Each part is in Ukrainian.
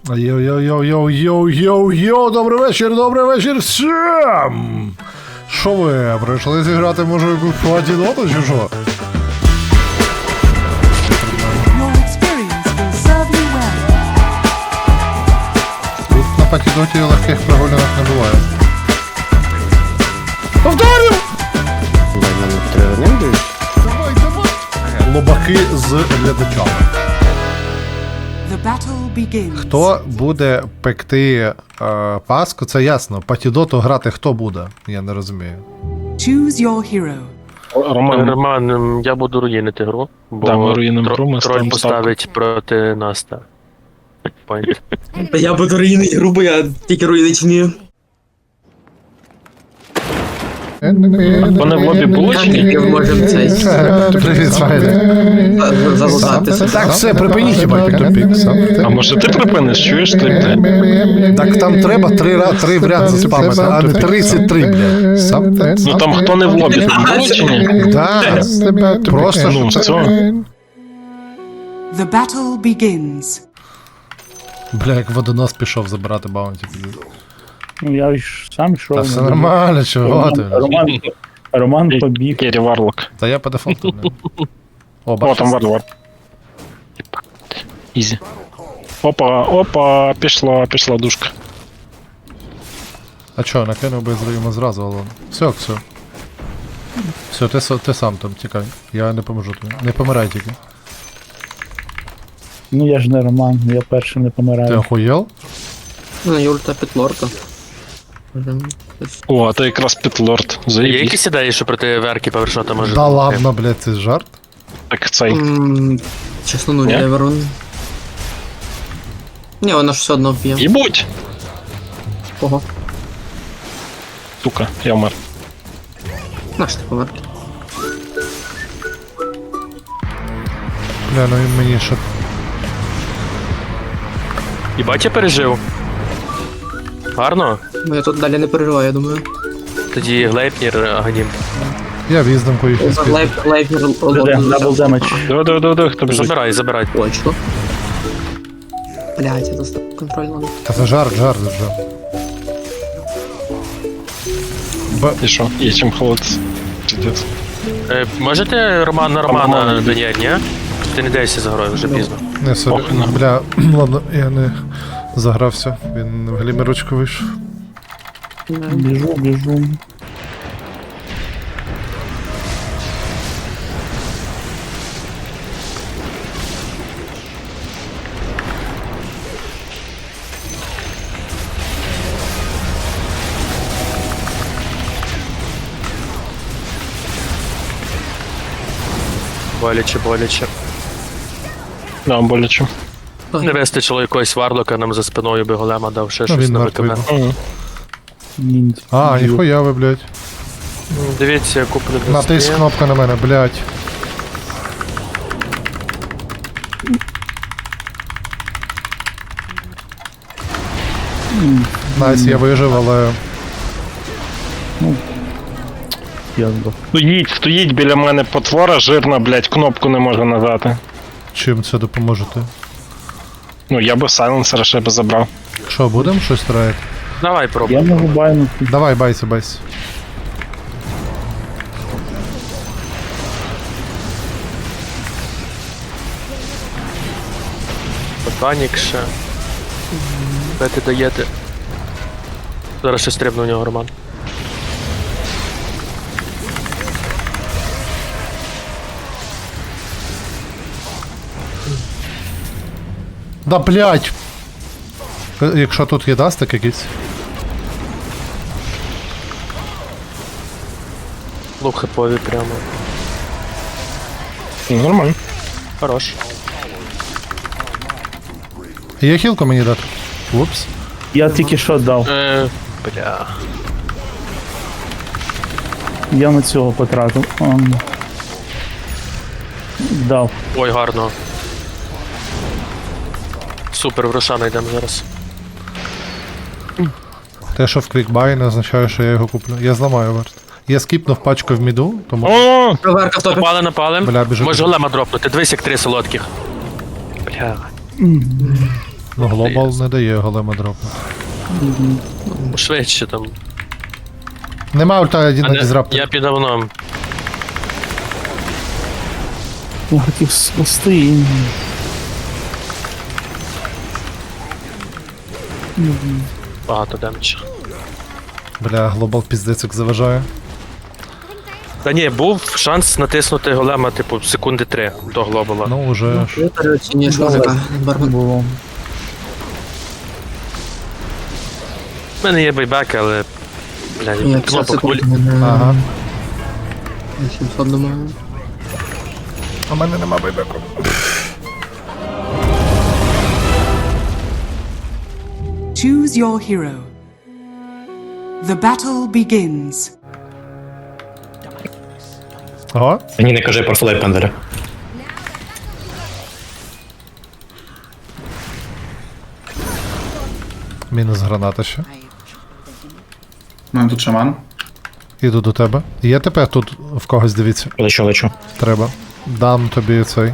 Йоу-йоу-йоу-йоу-йоу-йоу, добрий вечір всім! Що ви, прийшли зіграти, може, якусь платіноту чи що? Your experience will serve you well. Тут на патідоті легких прогулянок не буває. Повторю! Давай. Лобаки з глядачами. The battle begins. Хто буде пекти паску, це ясно. Патідоту грати хто буде? Я не розумію. Choose your hero. Роман, я буду руїнити гру, бо Да, ми руїнимо гру, ми троль ставимо поставить проти нас, так. Point. Я буду руїнити грубо, я тільки руїнити вмію. Вони в лобі були чи ні? Ми можемо цей Привіт, Смайлі. залутатися. Так, все, припиніть, їбать, тупік. А може ти припиниш, чуєш ти, блядь? Так там треба три в ряд заспамити, а не 33, блядь. Ну там хто не в лобі, там були чи ні? Да, просто Ну, все. The battle begins. Бля, як водонос пішов забирати баунті. Ну, я ж сам йшов. Та все нормально, чого ти? Роман побіг. Керрі Варлок. Та я по дефолту, бля. О, О, бачиш. там Варлок. Ізі. Опа, пішла душка. А чо, накинув би йому зразу, але... Все. Все, ти сам там, тікай. Я не поможу тобі. Не помирай тільки. Ну я ж не Роман, я перший не Ти помираю. охуєл? Ну, Юльта Петлорка. О, а то якраз Пітлорд. Є Заїбіть. якісь ідеї, що проти Верки повершати може? Да ладно, блядь, це жарт? Так цей. Чесно, ну, Ні? не ворон. Ні, вона ж все одно вб'є. Їбуть! Кого? Сука, я вмер. Наш ти помер. Бля, ну він мені ще... Їбать, я пережив. Гарно? Ну, я тут далі не переживаю, я думаю. Тоді Глейпнір, Аганім. Я віздомку їх не спів. Лайфер Дабл демедж. Диви, хто біжить. Забирай. Точно. Блять, я достав контроль надо. Та це жарт. І що? Є чим ховатися. Пиздец. Можете Романа Роман. доняти, ні? Ти не дайся за грою, вже пізно. Не сорі. Похуй нам. Бля, ладно, я не загрався. Він в глімерочку вийшов. Біжу. Боляче. Да, боляче. Не вистачило якогось варлока, нам за спиною би голема дав ще щось він на мертвий. ВКБ. Ніндзя. А, ніхуя ви, блядь. Дивіться, я куплю Натиск кнопка на мене, блядь. Найс, я вижив, але... Я здох. Стоїть біля мене потвора жирна, блядь, кнопку не може нажати. Чим це допоможете? Ну, я би сайленсера ще би забрав. Що, будемо щось троїти? Давай пробуй. Я можу байнути. Давай, байся. Ботанік ще. Де ти даєте? Зараз ще стрибну у нього, Роман. Да, блядь! Якщо тут є дастик якийсь. Лук хипові прямо. Ну, нормально. Хорош. Є хілку мені дати? Упс. Я тільки що дав. Бля. Я на цього потратив. Дав. Ой, гарно. Супер, в Рошана йдемо зараз. Те, що в клікбай, не означає, що я його куплю. Я зламаю варт. Я скіпнув пачку в міду, тому... О! Верка в топі. Напали. Бля, біжу. Може голема дропнути. Дивись, як 3 солодких. Бля. Ну, глобал не дає голема дропнути. Швидше там. Нема ульта один А на не- дізраптор. Я під давном. Я хотів спасти. Багато демеджа. Бля, глобал піздець як заважає. Та ні, був шанс натиснути голема, типу, секунди 3 до глобала. Ну, уже ж. Ти переоцінюєш музика, Бармен. Було. У мене є байбек, але. Бля, Я 50 кнопок секунд. Ага. Я 700 думаю. У мене нема байбеку. Choose your hero. The battle begins. Ага. Ні, не кажи про флейп пендера. Мінус граната ще. У мене тут шаман. Іду до тебе. Є ТП тут в когось, дивіться. Лечу. Треба. Дам тобі цей.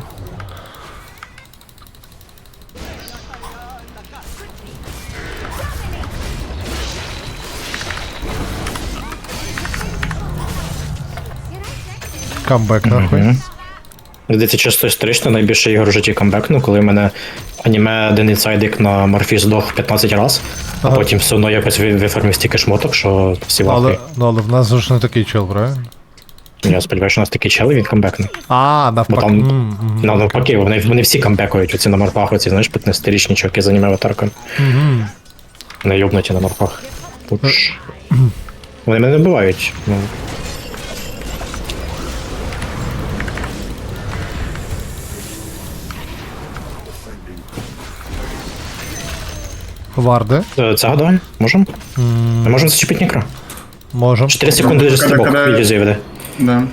Камбек нахуй. Здається, чисто історично найбільше ігор в житті камбекну, коли в мене аніме один інсайдик на Морфі здох 15 раз, а Ага. потім все одно якось виформив стільки шмоток, що всі Але, вахи. ну, але в нас ж не такий чел, правильно? Я сподіваюся, що у нас такі чели, він камбекне. А, Бо навпаки. там навпаки, вони всі камбекують, оці на морфах, оці, знаєш, 15-річні чуваки з аніме аватарками. Не йобнуті на морфах. Пуч. Вони мене не вбивають. Ну, Варди. це гадаю? Можем? Ми можемо зачепити нікро. Можем. 4 секунди стрибок, Коли- відео зайведе. Да.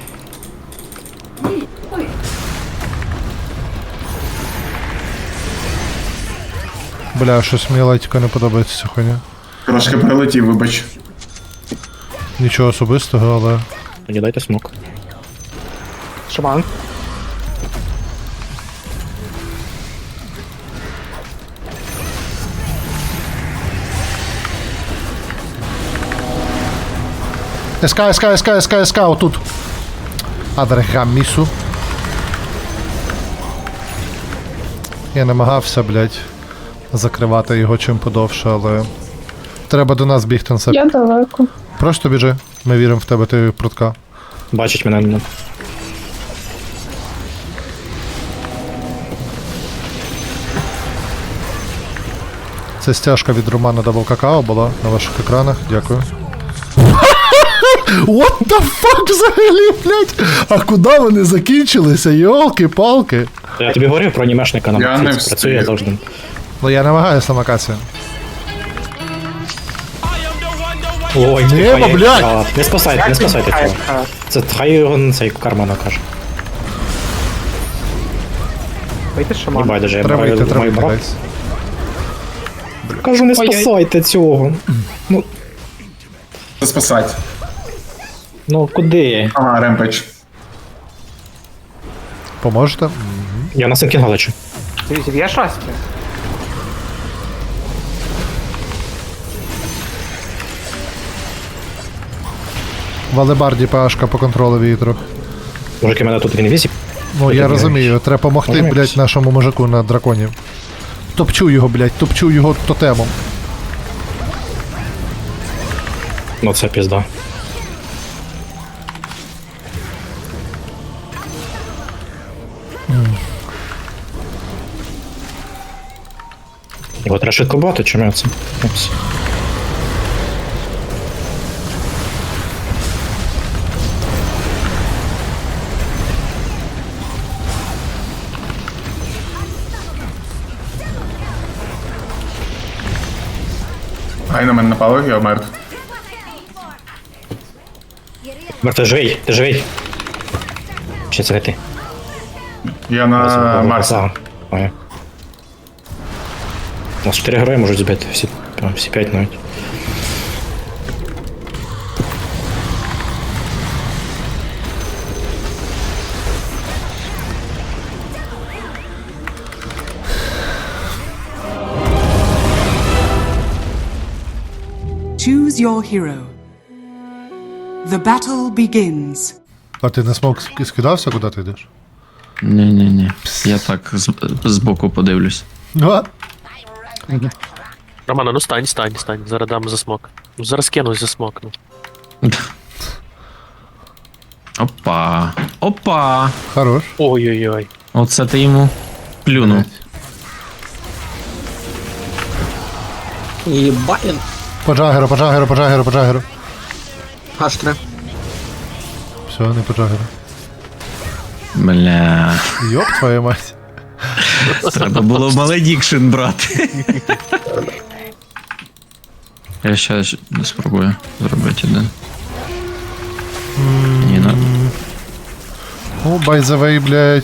Бля, щось мені лайтіка не подобається ця хуйня. Трошки прилетів, вибач. Нічого особистого, але. Мені дайте смок. Шаман. СК, отут. Адрегамісу. Я намагався, блядь, закривати його чим подовше, але. Треба до нас бігти на себе. Я далеко. Просто біжи. Ми віримо в тебе, ти прутка. Бачить мене. Це стяжка від Романа Дабл Какао була на ваших екранах. Дякую. What the fuck взагалі, блядь? А куди вони закінчилися? Йолки-палки. Я тобі говорив про анімешника на Я не Морфі, це працює встиг. завжди. Ну я намагаюся намакатися. Ой, Нема, блядь! Не спасайте цього. Це хай його цей карма накаже. Вийти шаман. Не байдуже, я Треба йти, маю треба йти, брат. гайс. Кажу, не спасайте цього. Це спасать. Ну куди? Ага, ремпейдж. Поможете? Я на Синкінга лечу. Дивіться, є шасті? Валебарді ПАшка по контролю вітру. Мужики, мене тут в інвізі. Ну я Ти розумію, треба помогти, Розумієш? блядь, нашому мужику на драконі. Топчу його, блядь, топчу його тотемом. Ну це пізда. Його треба швидко бати, чому я це? Упс. Ай, на мене напали, я вмер. Мер, ти живий. Чи це не ти? Я на Марсі. Ага, понял. У нас 4 герої можуть збити, всі 5 навіть. Choose your hero. The battle begins. А ти на смок скидався, куди ти йдеш? Ні. Я так збоку подивлюсь. А? Романа, ну стань. Зараз дам за смок. Ну зараз кинусь за смок, ну. Опа! Хорош. Ой-ой-ой. Оце ти йому плюнув. Єбаєн. По джагеру. H3. Все, не по джагеру. Бля. Йоп, твою мать. Треба було маледікшн брати. Я ще спробую зробити один. Ні, ну. О, by the way, блядь.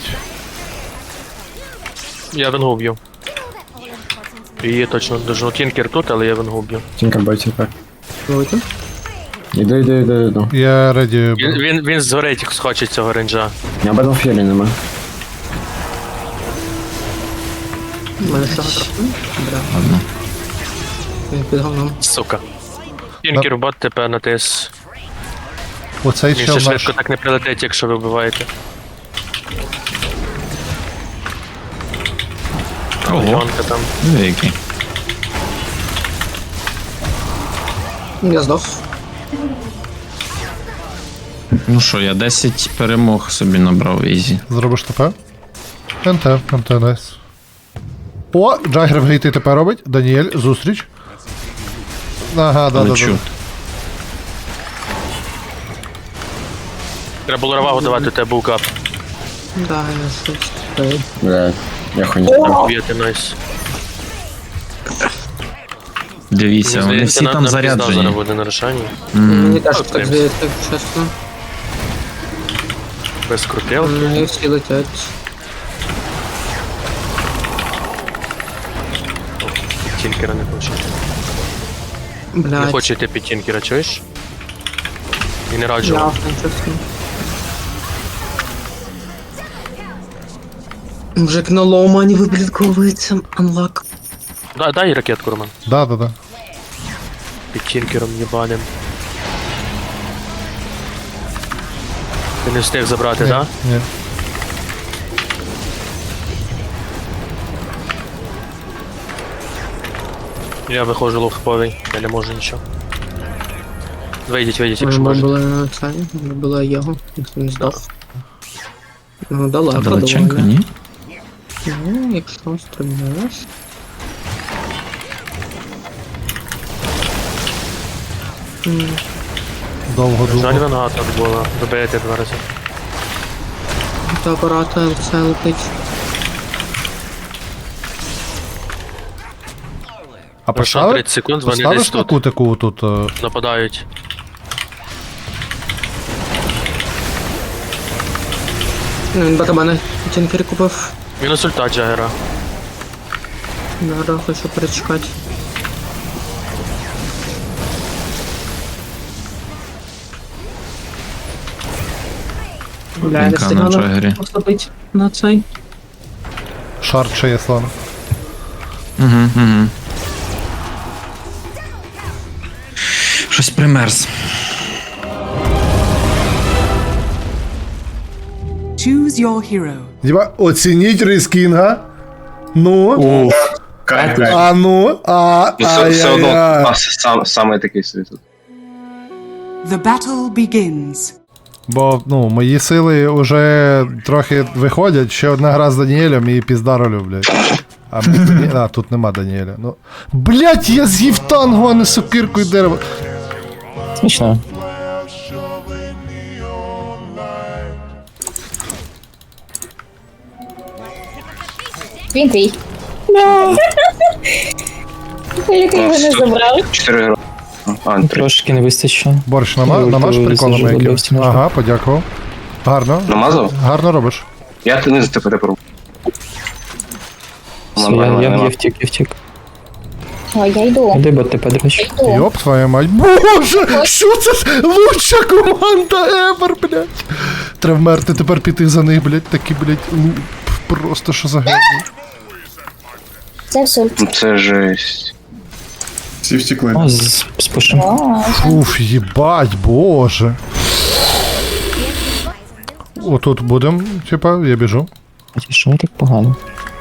Я венгу б'ю. Її точно дожну. Тінкер тут, але я венгу б'ю. Тінка бай, тінка. Вийти. Іду. Я реді. Він згорить схоче цього рейнджа. Я Battlefield нема. У мене всього трохи. Бля. Ладно. Він під говном. Сука. Тінкер в бот ТП натис. Оцей Він чел ще наш. швидко так не прилетить, якщо ви вбиваєте. Ого, Мільйонка там. великий. Я здох. Ну що, я 10 перемог собі набрав ізі. Зробиш ТП? НТ, найс. О, Джагер в гейти ТП робить. Даніель, зустріч. Ага, да. Лечу. Треба було равагу давати, у тебе був кап. Да, я щось. Бля, я хуйня. Б'єте, найс. Дивіться, вони Здається, всі там нам пізда зараз заряджені. буде на рішанні. Мені теж так, так в здається, чесно. Без крутилки. І всі летять. Тінкера не хоче. Не Блядь. хоче йти під тінкера, чуєш? І не раджу. Я вам. чесно. Мужик на ломані виблядковується. Unlock. Дай ракетку, Роман. Да. Під тінкером єбаним. Ти не встиг забрати, так? Ні. Я виходжу лохповий, я не можу нічого. Вийдіть, якщо Ми можете. були це, ми були його, ніхто не здох. Ну, далеко Далеченько, доволі. ні? Ну, якщо стрибнеш. Довго Жаль, думав. вона так була. Добиєте 2 рази. До апарата це летить. А Пройшло поставиш? 30 секунд, вони десь Поставиш на тут кутику тут? нападають. Він барабани тінкері купив. Мінус ульта Джагера. Зараз хочу перечекати. Бля, не Пінка на встигла Джагері. поступити на цей. Шарт ще є слон. Угу. Щось примерз. Choose your hero. Діба, оцініть рискінга. Ну, Кайф. а ну, Все одно ай-яй-яй. саме такий світ тут. The battle begins. Бо, ну, мої сили вже трохи виходять. Ще одна гра з Даніелем і піздаролю, блядь. А тут нема Даніеля. Ну. Блядь, я з'їв танго, а не сокирку і дерево. Смішно. Він твій. Який його не забрали. 4 гроші. А, 3. Трошки не вистачило. Борщ, Ну, намаж то приколами зажив, якимось. досі можна. Ага, подякував. Гарно. Намазав? Гарно робиш. Я ти не за тебе пробую. Все, я втік. О, я йду. Куди бо ти подручиш? Йду. Йоп, твою мать. Боже, що це? Лучша команда ever, блядь. Треба вмерти, тепер піти за них, блядь. Такі, блядь, просто що за гені. Це все. Це жесть. Всі втекли. О, спушим. Уф, їбать, боже. Отут будем, типа, я біжу. Що так погано?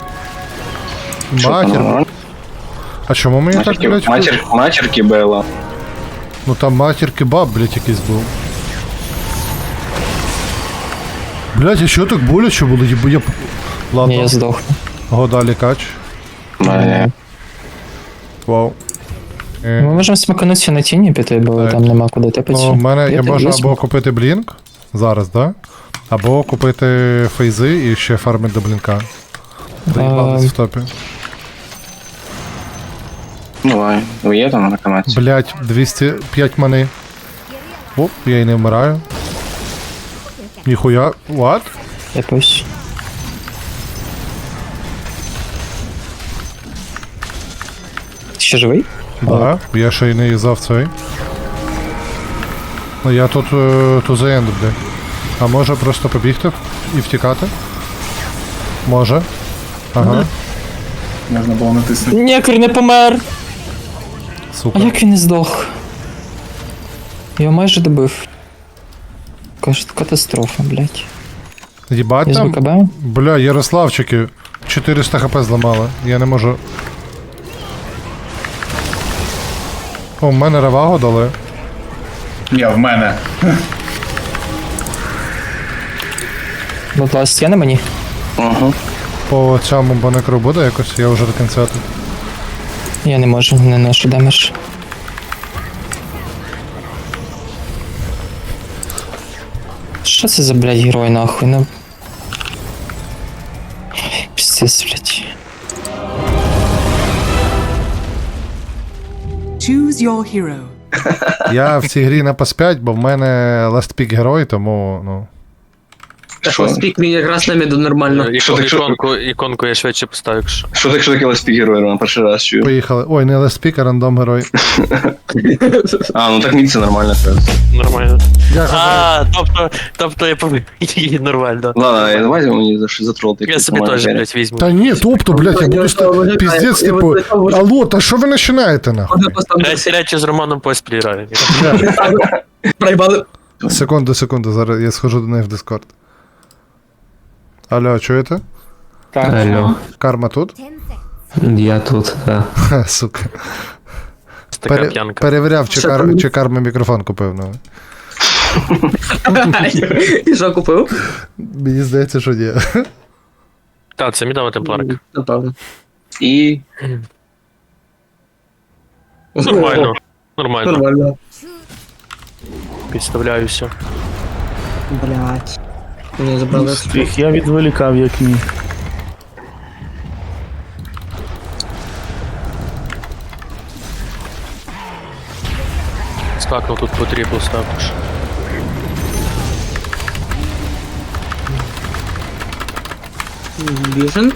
Матір. А чому мені так, блядь? Матірки Бела. Ну там матір кебаб, блядь, якийсь був. Блядь, а що так боляче було? Я... Ні, Ладно, я здох. года лікач. Вау. Ми можемо смаканутися на тіні піти, бо Так. там нема куди тепати. Ну, в мене я можу або купити блінк зараз, да? Або купити фейзи і ще фармити до блінка. Доїбались в топі. Давай. Ви є там на канаті? Блять, 205 мани. Оп, я і не вмираю. Ніхуя. What? Якось. Ти ще живий? Да, я ще й не юзав цей. Ну я тут to the end, блядь. А може просто побігти і втікати? Може. Ага, Можна було натиснути. Некр не помер! А супер. як він не здох? Його майже добив. Кажуть, катастрофа, блядь. Їбать Я з там? БКБ? Бля, Ярославчики. 400 хп зламали. Я не можу. О, в мене ревагу дали. Ні, в мене. Будь ласка, на мені. Угу. По цьому банекру буде якось, я вже до кінця тут. Я не можу, не ношу демедж. Що це за, блядь, герой нахуй? Ну. Пиздец, блядь. Choose your hero. Я в цій грі на PS5, бо в мене last pick герой, тому, ну. Так, спік він якраз на міду нормально. Іконку я швидше поставлю, якщо. Що так, що таке леспік герой, Роман? Перший раз чую. Поїхали. Ой, не last pick, а рандом герой. А, ну так ні, це нормально зараз. Нормально. Дякую. Тобто я повинен. Нормально. Ладно, давайте мені затролити. Я собі теж, блядь, візьму. Та ні, тобто, блядь, я буду ста... піздець, типу, алло, та що ви починаєте, нахуй? Речі з Романом поспіль граю. Проїбали. Секунду, зараз я схожу до них в Discord. Алло, чуєте? Так. Алло, Карма тут? я тут, да. Ха, сука. Така п'янка. Перевіряв, чи карма мікрофон купив, ну. І що купив? Мені здається, що ні. Так, це мідова темпларка. Напевно. І... Нормально. Нормально. Нормально. Підставляюся. Блять. Мені забрали. Я відволікав, як міг. Стакнув тут потрібно також. Біжен.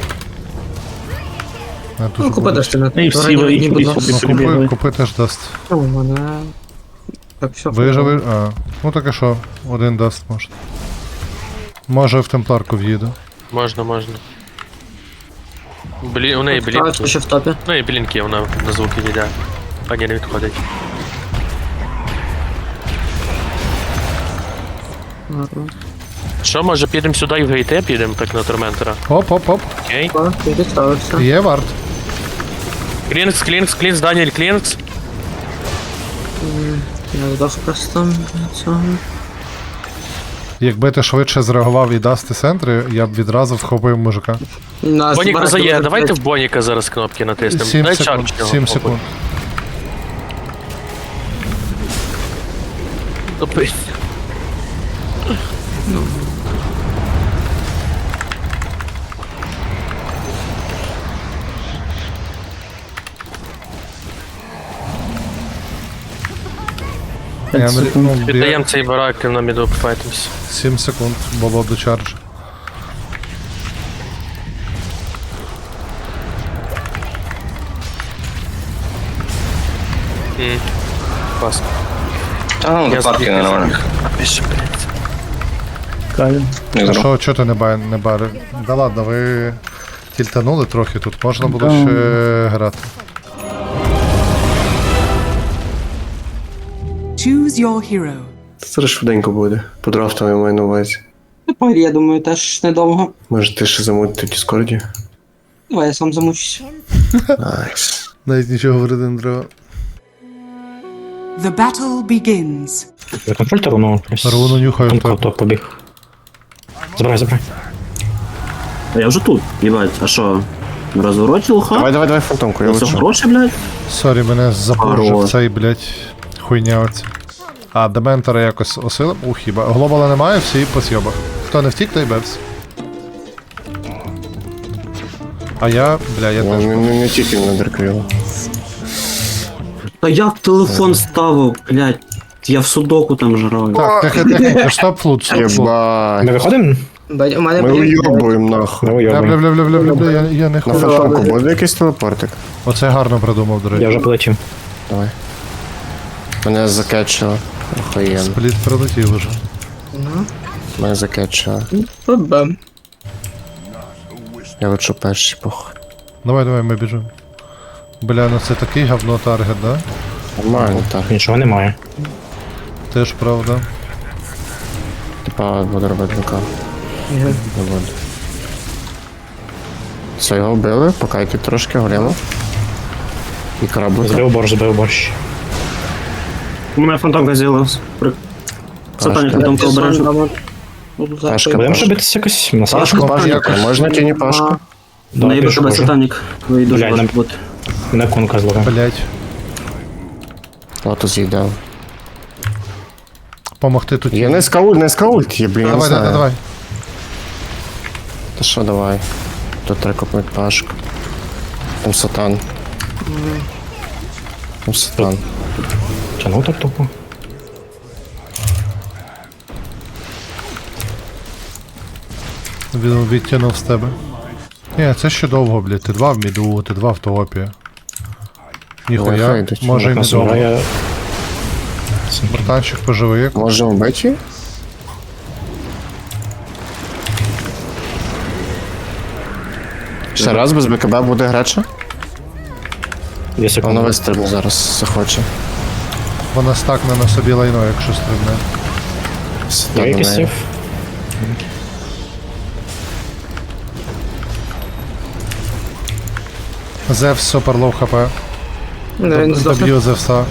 А, Ну, тут купи даш ти на І всі ви купи теж дасть. У мене... Так, все. Виживи. А, ну так і що, один даст, може. Може в темпларку в'їду. Можна. У неї Так, блінки. ще в топі. Ну і блінки, вона на звуки йде. А ні, не відходить. Ладно. Що, може підемо сюди і в гейте підемо, так на Торментера? Оп. Окей. О, ти підставився. Є варт. Клінкс, Даніель Клінкс. Я здох просто на цьому. Якби ти швидше зреагував і дасти центри, я б відразу вхопив мужика. Нас Боніка збирати зає, буде, давайте блядь. в Боніка зараз кнопки натиснемо. 7 Дай секунд. чарч його. 7 секунд. Топись. Віддаємо цей барак і на міду пофайтимся. 7 секунд, було до чарджа. Класно. Та ну, до парки нормально. Пише, блядь. Кайф. Не А зроб. що ти не бари? Да ладно, ви тільтанули трохи тут, можна було ще грати. Choose your hero. Це швиденько буде. По драфтам я маю на увазі. Тепер, я думаю, теж недовго. Може ти ще замутити в Діскорді? Давай я сам замучусь. Найс. Навіть нічого говорити не треба. The battle begins. Ви контрольте руну? Руну нюхаю, Томко, так. то побіг. Забирай. А я вже тут, їбать, а що? На розвороті лоха? Давай фантомку, я Це лечу. гроші, блядь? Сорі, мене запоржив Хорош. цей, блядь, хуйня оця. А, дементора якось осилив? Хіба. Глобала немає, всі по сьобах. Хто не втік, той бевс. А я теж. Не тільки на дерквіло. Та як телефон ставив, блядь? Я в судоку там жрав. Так, тихо, стоп флут, стоп флут. Єбать. Ми виходимо? У мене Ми блін, уйобуємо нахуй. Ми уйобуємо. Бля, я не На хочу. фантомку буде якийсь телепортик? Оце гарно придумав, до Я речі. вже полетів. Давай. Мене закетчило. Охуєнно. Спліт прилетів уже. Мене закетчило. Бам. Я лечу перший, похуй. Давай, ми біжимо. Бля, ну це такий говно таргет, да? Нормально, так. Нічого немає. Теж правда. Типа буду робити рука. Не буду. Все, його вбили, покайки трошки, горіло. І кораблика. Збив борщ. У мене фантомка з'явилась. Сатані фантомка обережно. Пашка, Будемо Пашка. ще битися якось? На Пашка, садку? Пашка. Можна тіні Пашку? Наїбе пишу, тебе кажу. сатанік. Ви дуже Блядь, важко нам- бути. На конка зловив. Блять. Лотус з'їдав. Помогти тут. Є не скаульт, є, блін, я не знаю. Давай. Та що, давай. Тут треба купити Пашку. Там сатан. Там сатан. Тянув так тупо. Він відтягнув з тебе. Ні, це ще довго, блядь. Ти 2 в міду, ти 2 в топі. Ой, Ніхуя, хай йдуть. може і не Нас довго. грає. Братанчик поживи. Можемо вбити? Ще раз без БКБ буде греча? 2 Воно секунди. вистрибне зараз, захоче. Вона стакне на собі лайно, якщо стрибне. Я Сатан якийсь на неї. сейф. Зевс супер лоу хп. Він здохне. Доб'ю Зевса.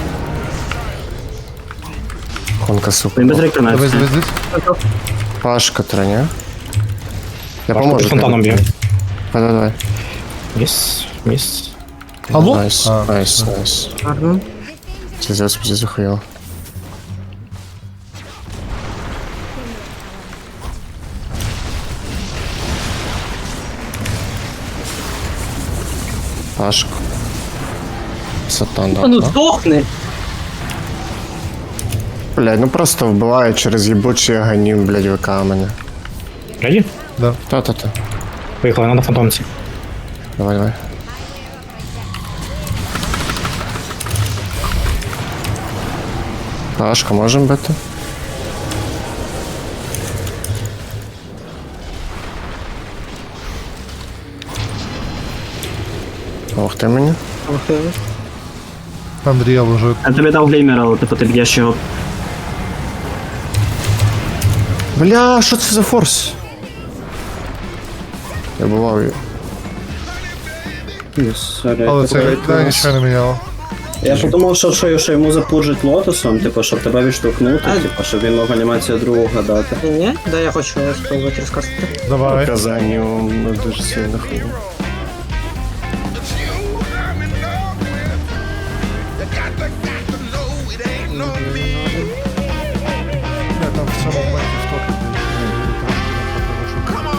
Конка Він супер. без реконації. Дивись. Пашка треня. Я Пашка поможу. під фонтаном б'є. Давай. Міс. Алло? Найс, А, найс. Гарно. Це зараз буде захуяло. Пашку. Сатан, А ну да? здохни! Блядь, ну просто вбиває через їбучий аганім, блядь, ВК мене. Реді? Та-та-та. Поїхали, надо фантомці. Давай. Пашка, можемо бити? Ох ти мені. Андрія лежить. Я тобі дав глеймер, але типу ти б'єш його. Бля, що це за форс? Я бував її. Але це нічого не міняло. Я подумав, що йому запуджить лотосом, типу, щоб тебе відштовхнути, типу, щоб він мог анімацію другу гадати. Ні, да, я хочу спробувати розказати. Давай. Казанню дуже сильно хуйня. Я там в цьому моменті в топі трошки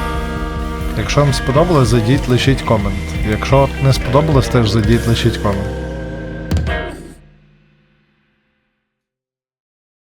Якщо вам сподобалось, зайдіть, лишіть комент. Якщо не сподобалось, теж зайдіть, лишіть комент.